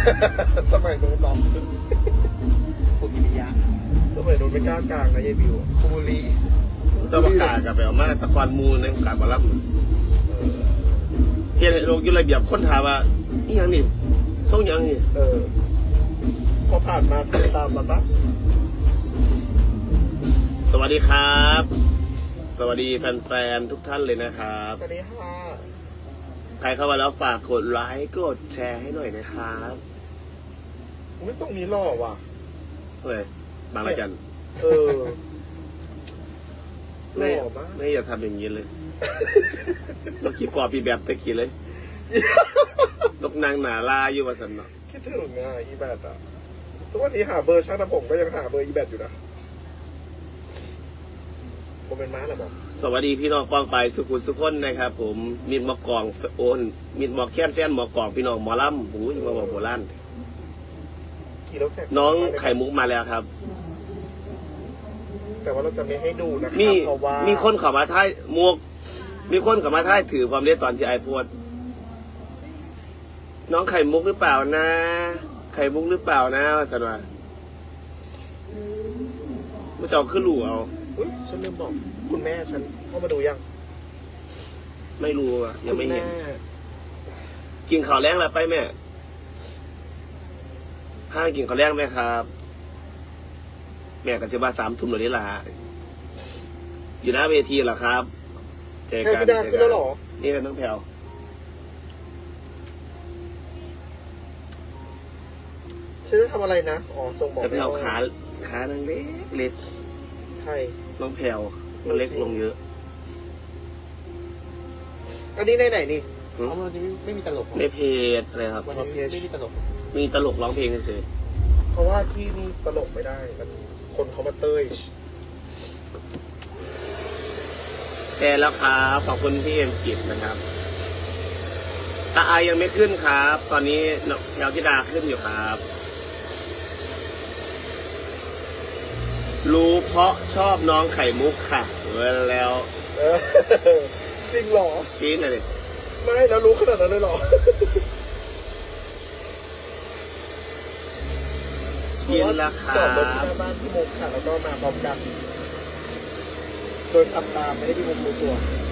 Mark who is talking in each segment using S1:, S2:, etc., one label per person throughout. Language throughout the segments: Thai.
S1: สมัยโน้นน้องคุณกิริยะสมัยโน้นไม่กล้ากลางนะยายบิวคุบุรี
S2: ต้องประกาศกับแบบมาตะกอนมูในการมารับเฮียลงยุระเบียบคนถามว่าอีหยังนี่ส่งยังนี่
S1: พอผ่านมาตามมาซะ
S2: สวัสดีครับ สวัสดีแฟนๆทุกท่านเลยนะครับ
S1: สวัสดีค่ะ
S2: ใครเข้ามาแล้วฝากกดไลค์กดแชร์ให้หน่อยนะครับ
S1: ไม่ส่งนี้หล่อว่ะ
S2: เฮ้ยบางระจันไม่อย่าทำอย่างนี้เลยเราคิดกว่าปีแบบตะกี้เลยนกนางหนาลาอยู่ว่าสันเนาะ
S1: คิดถึงอ่ะอีแบดอ่ะทุกวันนี้หาเบอร์ช่างทำผมก็ยังหาเบอร์อีแบดอยู่นะผมเป็นม้าแหละบอก
S2: สวัสดีพี่น้องป้องไปสุขุมสุขคนนะครับผมมิดหมอกกองโอนมิดหมอกแค้นแฟนหมอกกองพี่น้องหมอลำหูยมาบอกโบราณน้องไข่มุกมาแล้วครับ
S1: แต่ว่าเราจะไม่ให้ดูนะครับเพราะว่า
S2: มีคนเข้ามาท้ายมวกมีคนเข้ามาท้ายถือความเรียกตอนที่ไอพูดน้องไข่มุกหรือเปล่านะไข่มุกหรือเปล่านะว่าสันว่าไม่จะเอาขึ้นหลู่เอา
S1: ฉันลืมบอกคุณแม่ฉันเข้ามาดูยัง
S2: ไม่รู้อ่ะยังไม่เห็นกินข้าวแรงแล้วไปแม่ห้างกินข้าวแรงไหมครับแม่กับเสียบา3 ทุ่มหรือนี่ล่ะอยู่หน้าเวทีเหรอครับเจอกันนี่เป็นน้องแพลว
S1: ฉันจะทำอะไรนะอ๋อส่งบอก
S2: แพลวขานังเล็ก
S1: ใช่
S2: น้องแพลวมันเล็กลงเยอะ
S1: อันนี้ไหนนี่วันนี้ไม่มีตลก
S2: ในเพจอะไรครับ
S1: วันนี้ไม่มีตลก
S2: มีตลกร้องเพลงเฉย
S1: เพราะว่าที่นี่ตลกไม่ได้มันคนเขามาเต้ย
S2: แชร์แล้วครับขอบคุณพี่เอ็มกิจนะครับอายังไม่ขึ้นครับ ตอนนี้แถวธิดาขึ้นอยู่ครับรู้เพราะชอบน้องไข่มุกค่ะแล้ว
S1: จริงหรอ
S2: จริงเลย
S1: ไม่แล้วรู้ขนาดนั้นเลยหรอ
S2: กินราคา
S1: จอดรถที่หน้าบ้านพี่มุกค่ะแล้วก็มาพร้อมกันโดยขับตามไม่ได้พี่มุกรู้ตัว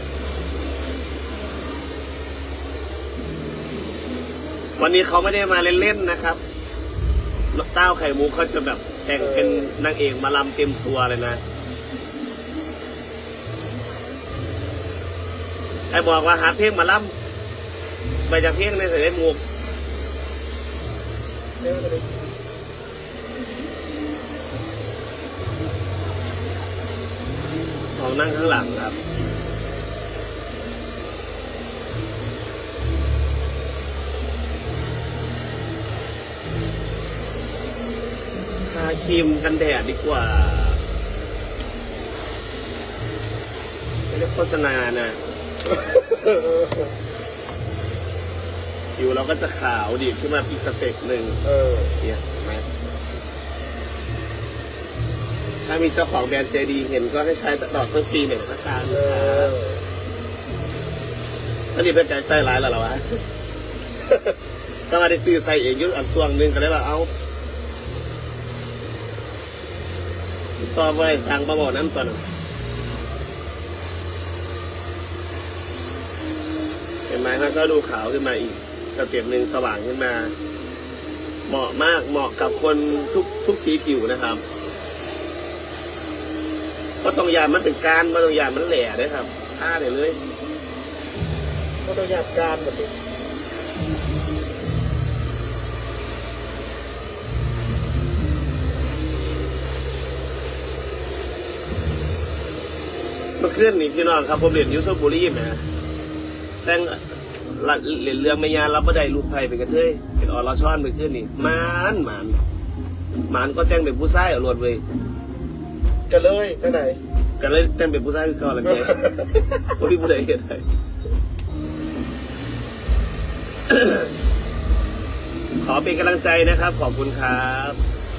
S2: วันนี้เขาไม่ได้มาเล่นๆนะครับเต้าไข่มุกเขาจะแบบแต่งเป็นนางเอกมาลำเต็มตัวเลยนะไอ้บอกว่าหาเพลงมาลำไปจากเพลงในสายมุกของนั่งข้างหลังครับทาครีมกันแดดดีกว่าไม่ได้โฆษณานะผิวเราก็จะขาวดีขึ้นมาอีกสเต็ปหนึ่งเนี่ยไหมถ้ามีเจ้าของแบรนด์ใจดีเห็นก็ให้ใช้ตลอดทั้งปีเหมือนสักครั้งถ้าดีเป็นใจใส่ร้ายแล้วเหรอวะก็มาได้ซื้อใส่เองยุ่งอันส่วงหนึ่งก็ได้ว่าเอาต่อไปสั่งมาบอกน้ำตัวหนึ่งเห็นไหมครับก็ดูขาวขึ้นมาอีกสเต็ปหนึ่งสว่างขึ้นมาเหมาะมากเหมาะกับคนทุกสีผิวนะครับก็ต้องยามันเป็นการมาต้องยามันแหล่ด้วยครับท่าเลย
S1: ก็ต้องยาการแบบนี้
S2: เมื่อคืนนี่พี่น้องครับผมเรียนยูโซบุรีนะแต่งเรียนเรื่องไม่ยารับไม่ได้ลูกไผ่เป็นกระเทยเป็นอรชอนเมื่อคืนนี่มันก็แต่งเป็นผู้ชายเอาลวดเว้ย
S1: กันเลยที่ไหน
S2: กันเลยแต่งเป็นผู้ชายคือเขาอะไรเนี่ยคนที่ผู้ใดเห็นได้ขอเป็นกำลังใจนะครับขอบคุณครับ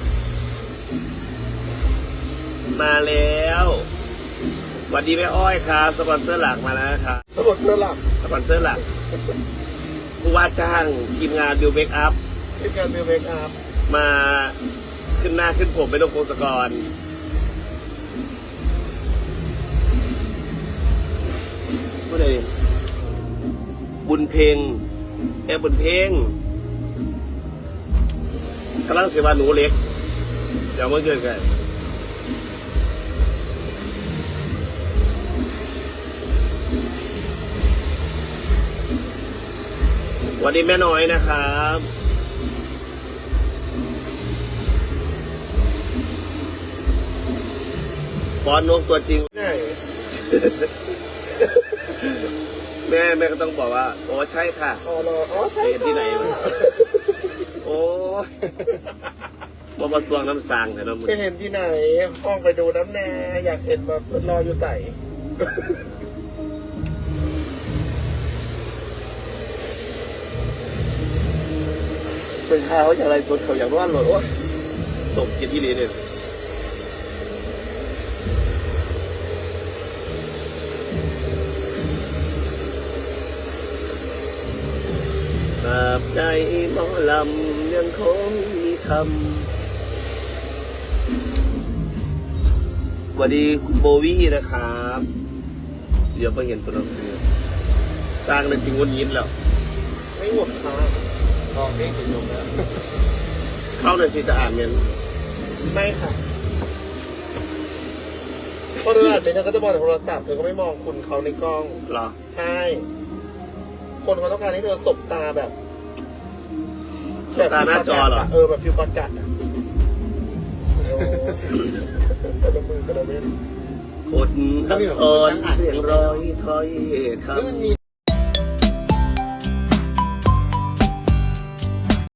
S2: มาแล้วสวัสดีแม่อ้อยครับสปอนเซอร์หลักมาแล้วครับ
S1: สปอนเซอร์หลัก
S2: ผู้ว่าจ้างทีมงานบิวเมคอัพ
S1: เป็นการเมคอัพ
S2: มาขึ้นหน้าขึ้นผมเป็นนกพงศกรผู้ใดบุญเพลงแอบบุญเพลงกำลังเสียว่าหนูเล็กเดี๋ยวมาเจอกันวันนี้แม่น้อยนะครับบอลนกตัวจริง
S1: ไหน
S2: แม่ก็ต้องบอกว่าโอ้ใช่ค่ะ
S1: อ๋อเหรออ๋อใช่
S2: เห็นที่ไหนวะ โอ้ยบ่มาสวงน้ำสางแต่น้ำมือ
S1: ไปเห็นที่ไหนห้องไปดูน้ำแน่อยากเห็นแบบรออยู่ใส่
S2: เป็นข้าวจากอะไรสดเขาอยากร้อนหรอโอ้ยตกกินที่นี่เนี่ยตราบใดหมอลำยังคงมีคำสวัสดีคุณโบวี่นะครับ เดี๋ยวไปเห็นตัวหนังสือสร้างในสิ่งวนยินแล้ว
S1: ไม่หมดค่ะออกเองจบแล้ว
S2: เข้าในสิจะอ่านเมน
S1: ไม่ค่ะเพราะเธออ่านเธอก็จะมองแต่โทรศัพท์เธอก็ไม่มองคุณเขาในกล้อง
S2: เหรอ
S1: ใช่ คนเขาต้องการให้เธอสบตาแบบ
S2: สบตาหน้าจอเหรอ
S1: แบบฟิลประกัดอ่ะโอ้กระมือกระเม็ด
S2: คนทักซ้อนเรียงร้อยถ้อยคำ